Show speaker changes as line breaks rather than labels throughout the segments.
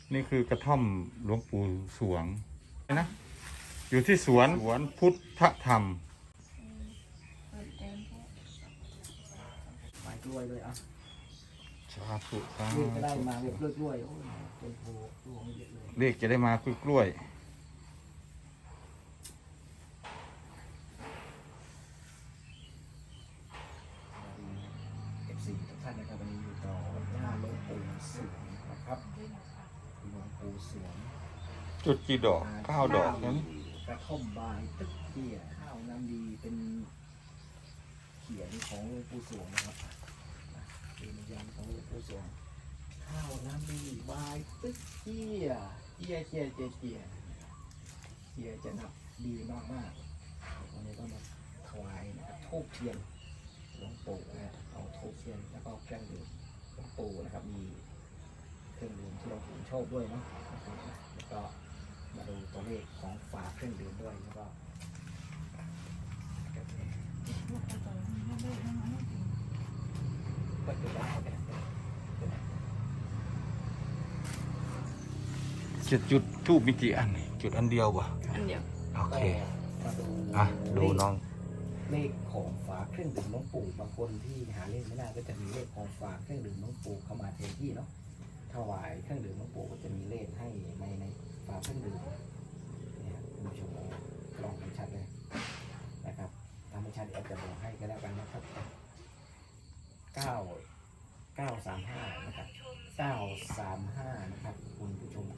นี่คือกระท่อมหลวงปู่สวงนะอยู่ที่สวนพุทธธรรม
หมายกล้วยด้วยอ่ะ
สาธุสา
เลขก็ได้
ธุ
มาเรียบกล้วยโอ้ยต้นโพดวงเยอะเลย
เลขจะได้มากล้วย
F4 ทุกท่านนะครับวันนี้อยู่ต่อหน้าหลวงปู่สวงนะครับหลวงปู่สวง
จุดกี่ดอก9 ดอกนั้น
กระท่อมบายตึกเตี้ยข้าวน้ำดีเป็นเขียนของหลวงปู่สวงนะครับเป็นยันของหลวงปู่สวงข้าวน้ำดีบายตึกเตี้ยเตี้ยจะนับดีมากๆวันนี้ก็มาถวายนะครับธูปเทียนหลวงปู่นะเอาธูปเทียนแล้วก็เครื่องดื่มหลวงปู่นะครับมีเครื่องดื่มที่หลวงปู่ชอบด้วยเนาะแล้วก็มาดูตัวเลขของฝาเครื่องดื่มด้วยแล้วก็ก็จะได้กัน
จุดทูบมีกี่อันจุดอันเดียววะ
อันเดียว
โอเค
มาดู
ดูน้อง
เลขของฝาเครื่องดื่มหลวงปู่บางคนที่หาเลขไม่ได้ก็จะมีเลขของฝาเครื่องดื่มหลวงปู่เข้ามาแทนที่เนาะถวายเครื่องดื่มหลวงปู่ก็จะมีเลขให้ในฝาเครื่องดื่มเนี่ยคุณผู้ชมลองให้ชัดเลยนะครับถ้าไม่ชัดเดี๋ยวจะบอกให้ก็แล้วกันนะครับ935นะครับ935นะครับคุณผู้ชม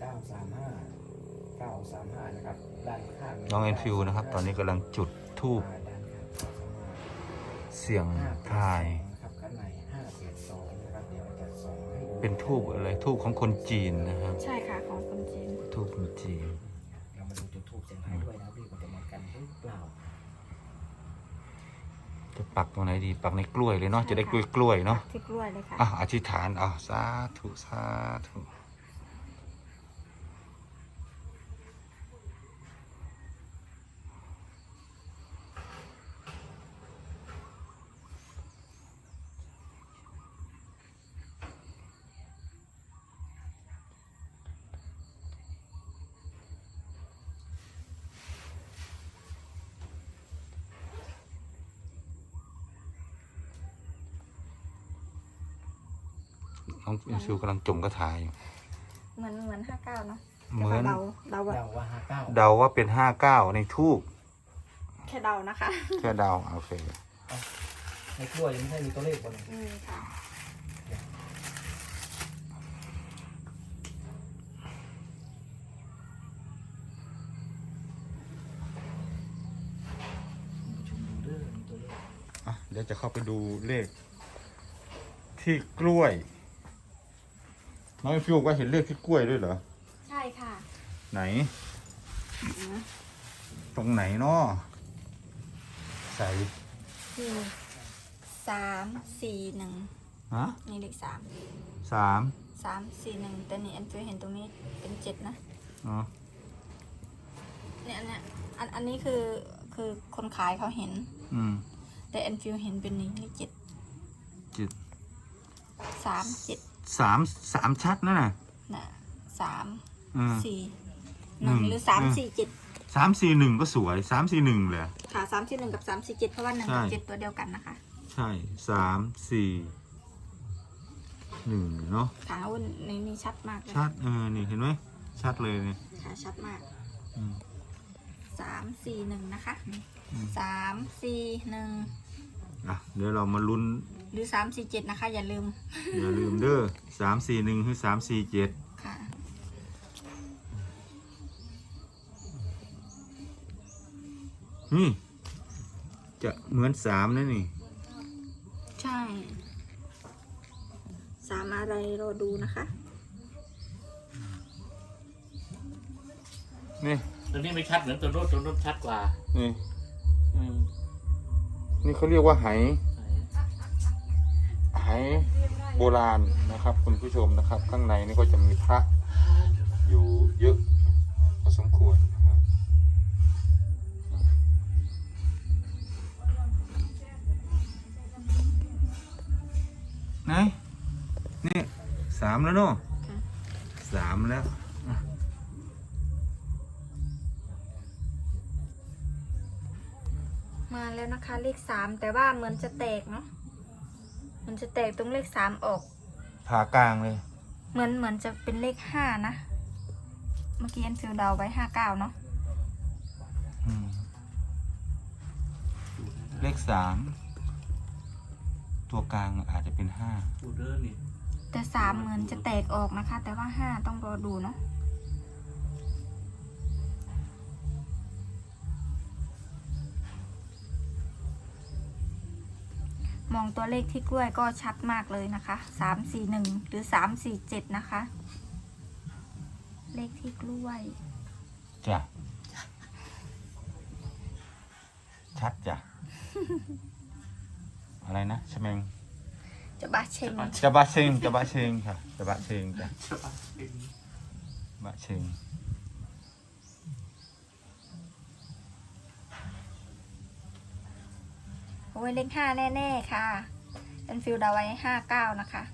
935นะครับด้านข้าง
น้องเอ็นฟิวนะครับ ตอนนี้กำลังจุดทูบ
ด้านข้าง935
เสียงทาย
นะครับข้างใน582นะครับเดี๋ยวจะส่งให้ดู
เป็นทูบอะไรทูบของคนจีนนะครับ
ใช่ค่ะของคนจีน
ทูบคนจีน
เรามาดูจุดทูบเสียงทายด้วยนะพี่มันจะเหมือนกันหรือเปล่า
จะปักตรงไหนดีปักในกล้วยเลยเนาะจะได้กล้วยเนาะ
ที่กล้วยเลยค่ะ
อธิษฐานสาธุสาธุน้องอินฟิวกำลังจมกระถายอยู่
เหมือน59เนาะ
เหมือน
เดาว่า
เดาว่า59
เดาว่าเป็น59ในทูบ
แค่เดานะคะ
แค่เดาโอเค
ในกล้วยยังไม่ใช่มีตัวเลขบน
ค่ะ
ชมดูเด้อมีตัวเลข
เดี๋ยวจะเข้าไปดูเลข ที่กล้วย น้องอินฟิวก็เห็นเลขที่กล้วยด้วยเหรอ
ใช่ค่ะ
ไหน ตรงไหนเนาะใส่
คือ341
ฮะ
นี่เลข3
3
341แต่นี่อันฟิวเห็นตรงนี้เป็น7นะ
อ๋อ
เนี่ยอันนี้คือคนขายเขาเห็น แต่อันฟิวเห็นเป็นนี้เลข7
จิต
3 7
3 ชัดนะน่ะ
น่ะ3
อืม
4 1หรือ3 4 7
341ก็สวย341เลย
ค่ะ341กับ347เพราะว่า1กับ7ตัวเดียวกันนะคะ
ใช่3 4 1เนาะ
ค่ะนี่ชัดมากเลย
ชัดนี่เห็นไหมชัดเลยเนี่ย
ค่ะชัดมาก
อืม
341นะคะ
อืม
341
เดี๋ยวเรามาลุ้น
หรือ347นะคะอย่าลืม
อย่าลืมเด้อ341หรือ347
ค่ะ
นี่จะเหมือน3นะนี่
ใช่3อะไรรอดูนะคะ
นี่
ตัวนี้ไม่ชัดเหมือนตัวโน้ตชัดกว่า
นี่นี่เขาเรียกว่าไหโบราณนะครับคุณผู้ชมนะครับ ข้างในนี่ก็จะมีพระอยู่เยอะพอสมควรนะครับไหนนี่3แล้วเนาะ
ค่ะ
3แล้ว
มาแล้วนะคะเลข3แต่ว่าเหมือนจะแตกเนาะมันจะแตกตรงเลข3ออก
ผ่ากลางเลย
เหมือนจะเป็นเลข5นะเมื่อกี้แอนฟิลเดาไว้59เนาะ
อืมเลข3ตัวกลางอาจจะเป็น5
ดูเด้อนี่
แต่3เหมือนจะแตกออกนะคะ แต่ว่า5ต้องรอดูเนาะมองตัวเลขที่กล้วยก็ชัดมากเลยนะคะ341หรือ347นะคะเลขที่กล้วย
จ้ะชัดจ้ะ อะไรนะชะเมง
จะบาเชง
จะบะเชงจะบะเชงค่ะจะบะเชงจ้ะ
จะปักเอง
บะเชง
โอ้ยเลข5แน่ๆค่ะแอนฟิลเดาไว้59นะคะ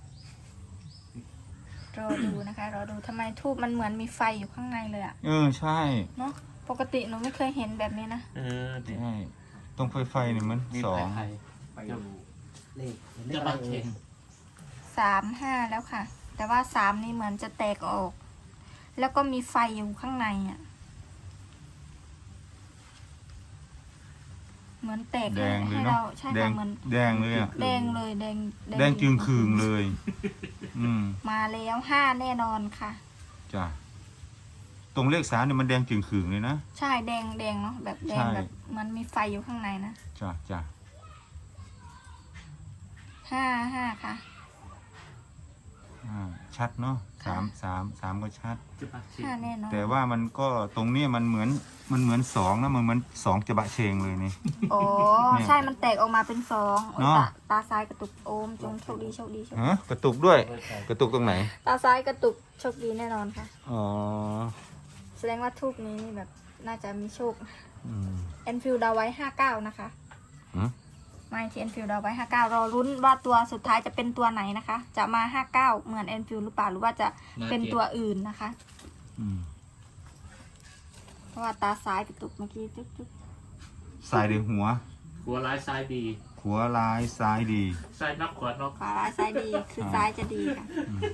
รอดูนะคะรอดูทำไมทูบมันเหมือนมีไฟอยู่ข้างในเลยอะ
ใช่
เนาะปกติหนูไม่เคยเห็นแบบนี้นะ
เนี่ย
ใช่ตรงไฟเนี่ยมัน
มี
สอง
ไข่
ไปดูเลขเห็นเล
จะ
ขอะไร
ปักเอ
เอ่ย
ง
35แล้วค่ะ แต่ว่า3นี่เหมือนจะแตกออก แล้วก็มีไฟอยู่ข้างในอะเหมือนแตก
แดงเลย
ให้
เนาะ
เราใช่
แด
ค่ะ
ง
เหมือน
แดงเลยอ่ะ
แดงเลยแดง
แดงจึงคืงเลย อืม
มาแล้ว5แน่นอนค่ะ
จ้ะตรงเลข3เนี่ยมันแดงจึงคืงเลยนะ
ใช่แดงเนาะแบบแดง
ใช่
แบบมันมีไฟอยู่ข้างในนะ
จ้ะจ้ะ
55ค่ะ
ชัดเนาะ3ก็ชัด
จะปักเอง
5แน่นอน
แต่ว่ามันก็ตรงเนี้ยมันเหมือน2นะมันเหมือน2จะบะเชงเลยนี่
โอ้
เนี่ย
ใช่มันแตกออกมาเป็น2
เนาะ
ตาซ้ายกระตุกโอมจงโชคดีโชคดีโชคดี
ฮะกระตุกด้วย กระตุกตรงไหน
ตาซ้ายกระตุกโชคดีแน่นอนค่ะ
อ๋อ
แสดงว่าทูบนี้นี่แบบน่าจะมีโชค
อืม
แอนฟิลดาวไว้59นะคะ
หืม
ไม่ที่แอนฟิลดาวไว้59รอลุ้นว่าตัวสุดท้ายจะเป็นตัวไหนนะคะ จะมา59เหมือนแอนฟิลหรือเปล่าหรือว่าจะเป็นตัวอื่นนะคะ
อืม
เพราะว่าตาซ้ายกระตุกเมื่อกี้จุ๊บจุ๊บ
ซ้ายดีหัว
หัวร้ายซ้ายดี
หัวร้ายซ้ายดี
ซ้ายนักขวานอก
ขวาร้ายซ้ายดีคือซ้ายจะดีค่ะ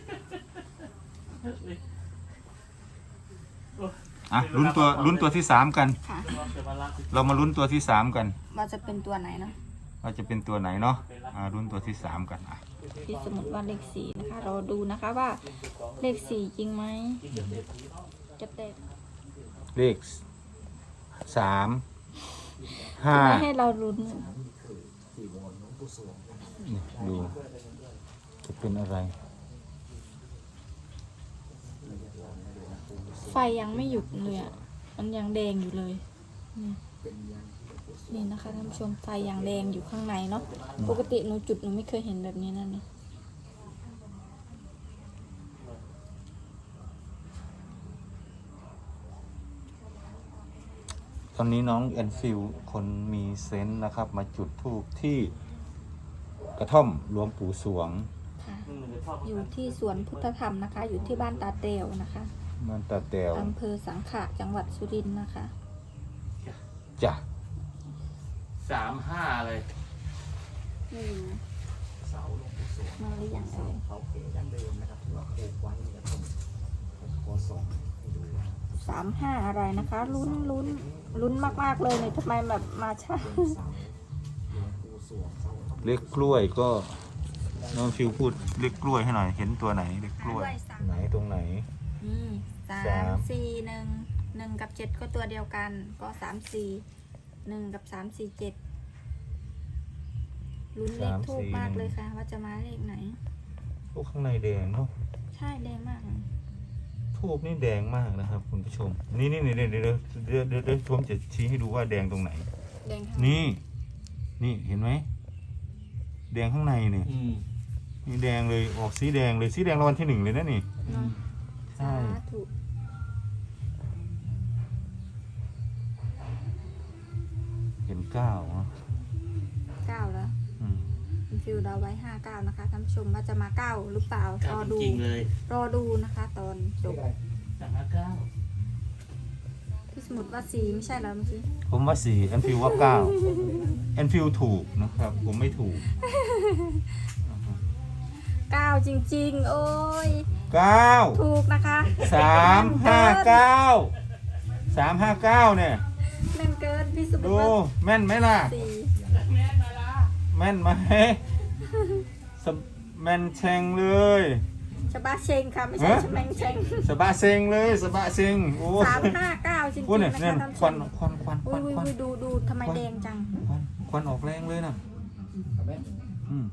อ่ะลุ้นตัวที่3กัน
ค่ะ
จะมาลาก
เรามาลุ้นตัวที่3กัน
ว่าจะเป็นตัวไหนนะ
ว่าจะเป็นตัวไหนเนาะลุ้นตัวที่3กันอ่ะ
ที่สมมติว่าเลข4นะคะเราดูนะคะว่าเลข4จริงไหมจะแตก
เลข3
ทำไมให้
5
เราลุ้น
นี่ดูจะเป็นอะไร
ไฟยังไม่หยุดเลยอ่ะมันยังแดงอยู่เลยนี่นะคะท่านผู้ชมไฟยังแดงอยู่ข้างในเนาะปกติหนูจุดหนูไม่เคยเห็นแบบนี้นั่นนี่
ตอนนี้น้องแอนฟิลคนมีเซนส์นะครับ มาจุดธูปที่กระท่อมหลวงปู่สวง
ค่ะอยู่ที่สวนพุทธธรรมนะคะ อยู่ที่บ้านตาเตวนะคะ
มันตาแตว
อำเภอสังขะจังหวัดสุรินทร์นะคะ
จ้ะ
35อะไร
ไม่รู้
เสาหลวงปู่สวง
มาหรือยัง
เสา
เอ่ย
เขาเก๋ดั้งเดิมนะครับที่ว่าปลูกไว้ในกระท่อมขอส่องให้ดูว่า
35อะไรนะคะ ลุ้นมากๆเลยเนี่ยทำไมแบบมาช้า
เป็นเสาหลวงปู่สวงเสา
เลขกล้วยก็น้องฟิวพูดเลขกล้วยให้หน่อย เห็นตัวไหนเลขกล้วย ไหนตรงไหน
นี่
สาม
1 กับ 7 ก็ตัวเดียวกัน ก็1 กับ 7ลุ้นเลขทูบมากเลยค่ะ ว่าจะมาเลขไหน
พวกข้างในแดงเนาะ
ใช่แดงมากเลย
ทูบนี่แดงมากนะครับคุณผู้ชม นี่เดี๋ยวผมจะชี้ให้ดูว่าแดงตรงไหน
แดงข้าง
นี่เห็นไหมแดงข้างในเนี่ย นี่แดงเลยออกสีแดงเลยสีแดงรางวัลที่ 1เลยนะนี่
เนาะ
ใช่
สาธุ
เห็น9เนาะ
9แล้ว
อืม
คุณฟิวเราไว้59นะคะท่านผู้ชมว่าจะมา9หรือเปล่าร
เก้า
อดู
จริงๆเลย
รอดูนะคะ ตอนจบ
359
พี่สสมุดว่า4ไม่ใช่เหรอเมื่อกี้
ผมว่า4แอนฟิลว่า9แอนฟิลถูกนะครับ ผมไม่ถูก
9จริงๆ โอ้ย
9
ถูกนะคะ
359เนี่ย
แม่นเกินพี่สมุด
ดู
ว่า
แม่นไหมล่ะ
4
แม่นไหมแม่นแชงเลย
ชบาเชงค่ะไม่ใช่
ฮะ
ชแมงเชง
สบะเซงเลยสบะเซงโอ้
359จริง
โอ้
ๆ
เนี่ย
นะ
เนี่ย
คะท่าน
ควันควันควันค
อุ้
วันควัน
ยดูทำไมแดงจัง
ควันออกแรงเลยนะ
เอาไหม
อืม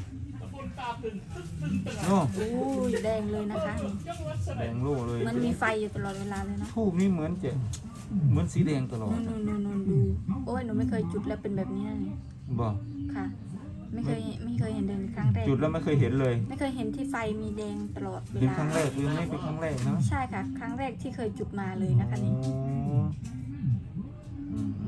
โอ้
อุ้ยแดงเลยนะคะนี่
แดงโล่เลย
มันมีไฟอยู่ตลอดเวลาเลยเนาะ
ทูบนี่เหมือนสีแดงตลอด
นู่นดูโอ้ยหนูไม่เคยจุดแล้วเป็นแบบนี้นะนี่
บอก
ค่ะ ไม่เคยเห็นเลยครั้งแรก
จุดแล้วไม่เคยเห็นเลย
ไม่เคยเห็นที่ไฟมีแดงตลอดเว
เป็น
ลา
ครั้งแรกหรือไม่เป็นครั้งแรกเนาะ
ใช่ค่ะ ครั้งแรกที่เคยจุดมาเลยนะคะนี่
อ๋ออืม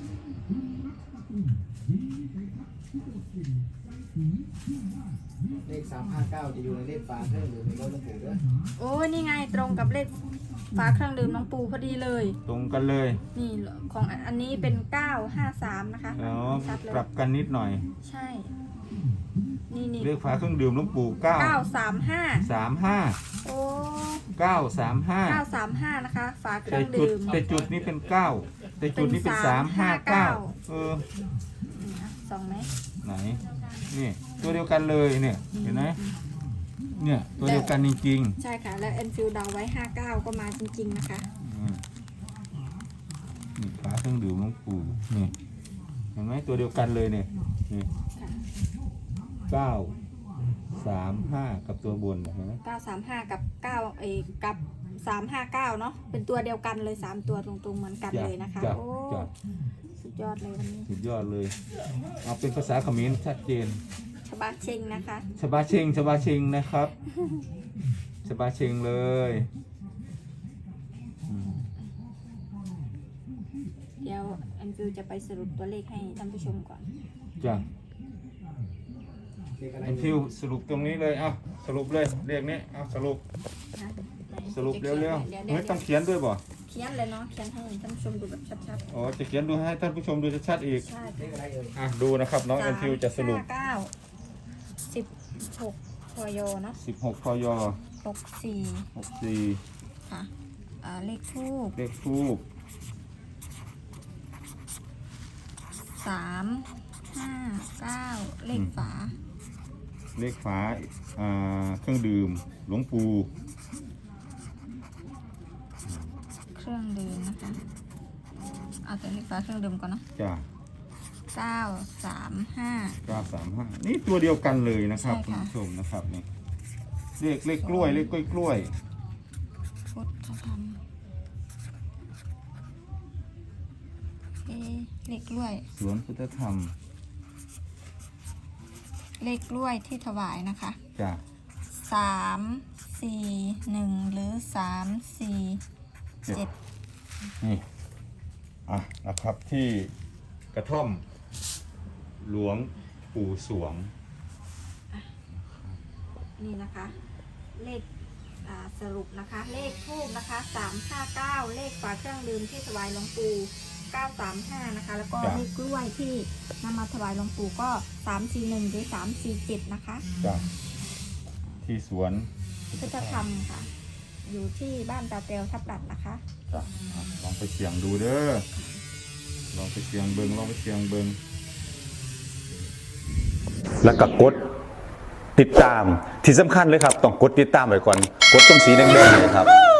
เลข359จะอยู่ในเลขฝาเครื่องดื่มในรถหลวงปู่ด้วย
โอ้ยนี่ไงตรงกับเลขฝาเครื่องดื่มน้องปูพอดีเลย
ตรงกันเลย
นี่ของอันนี้เป็น953นะคะ
แล้ว
ชัดเลย
ปรับกันนิดหน่อย
ใช่ นี่
เรียกฝาเครื่องดื่มหลวงปู่
935
35
โอ้
935
935นะคะ ฝาเค
แต่
รื่อง
จุด
ดื่ม
แต่จุดนี้เป็น9แต่จุดนี้เป็น 359เออ
นี่นะส่องไหม
ไหนนี่ตัวเดียวกันเลยเนี่ยเห็นไหมเนี่ยตัวเดียวกันจริง
ใช่ค่ะ แล้วแอนฟิลเดาไว้59ก็มาจริงๆนะคะ
ๆอืมนี่ฝาเครื่องดื่มหลวงปู่นี่เห็นไหมตัวเดียวกันเลยเนี่ยนี่
ค่ะ
935กับตัวบนเห็นไหม
935กับ9กับ359เนาะเป็นตัวเดียวกันเลย3ตัวตรงๆเหมือนกันเลยนะคะ
จ้ะ
โอ้
จ้ะ
สุดยอดเลยวันนี้
สุดยอดเลยเอาเป็นภาษาเขมรชัดเจน
ชบาเชงนะคะ
ชบาเชงนะครับชบาเชงเลยอืม
เดี๋ยวแอนฟิลจะไปสรุปตัวเลขให้ท่านผู้ชมก่อน
จ้ะ
เลขอะไร
เอ็นฟิวสรุปตรงนี้เลยเอาสรุปเลยเรียกนี้เอาสรุป
นะไหน
สรุปเร็ว
ดี๋ย
ๆไม่ต้องเขียนด้วยบ่
เขียนเลยเนาะเขียนให้ท่านผู้ชมดูแบบชัด
อ๋อจะเขียนดูให้ท่านผู้ชมดูชัดๆอีก
ๆใช่
เลขอะไรเอ่ย
อ่ะดูนะครับน้องเอ็นฟิวจะสรุป
16พยเนาะ
16 พย
64
64
ค่ะเลขทูบ
เลขทูบ
359เลขฝา
เลขฝาเครื่องดื่มหลวงปู่
เครื่องดื่มนะคะเอาแต่เลขฝาเครื่องดื่มก่อนเนาะ
จ้ะ
935
935นี่ตัวเดียวกันเลยนะครับ
ใช่
คุณ
ค่ะ
ผู้ชมนะครับนี่เลขกล้วยเลขกล้วย
พุทธธรรมเลขกล้วย
สวนพุทธธรรม
เลขกล้วยที่ถวายนะคะ
จ้ะ
341หรือ347
นี่อ่ะนะครับที่กระท่อมหลวงปู่สวง
นี่นะคะ เลขสรุปนะคะ เลขทูบนะคะ359เลขฝาเครื่องดื่มที่ถวายหลวงปู่935นะคะแล้วก็
จ้ะ
เลขกล้วยที่นำมาถวายหลวงปู่ก็341หรือ347นะคะ
จ้ะที่สวน
พุทธธรรมค่ะ อยู่ที่บ้านตาเตลทับหลัดนะคะ
จ้ะอ่ะลองไปเสี่ยงดูเด้อลองไปเสี่ยงเบิง
แล้วก็กดติดตามที่สำคัญเลยครับ ต้องกดติดตามไว้ก่อน กดตรงสีแดงๆเลยครับ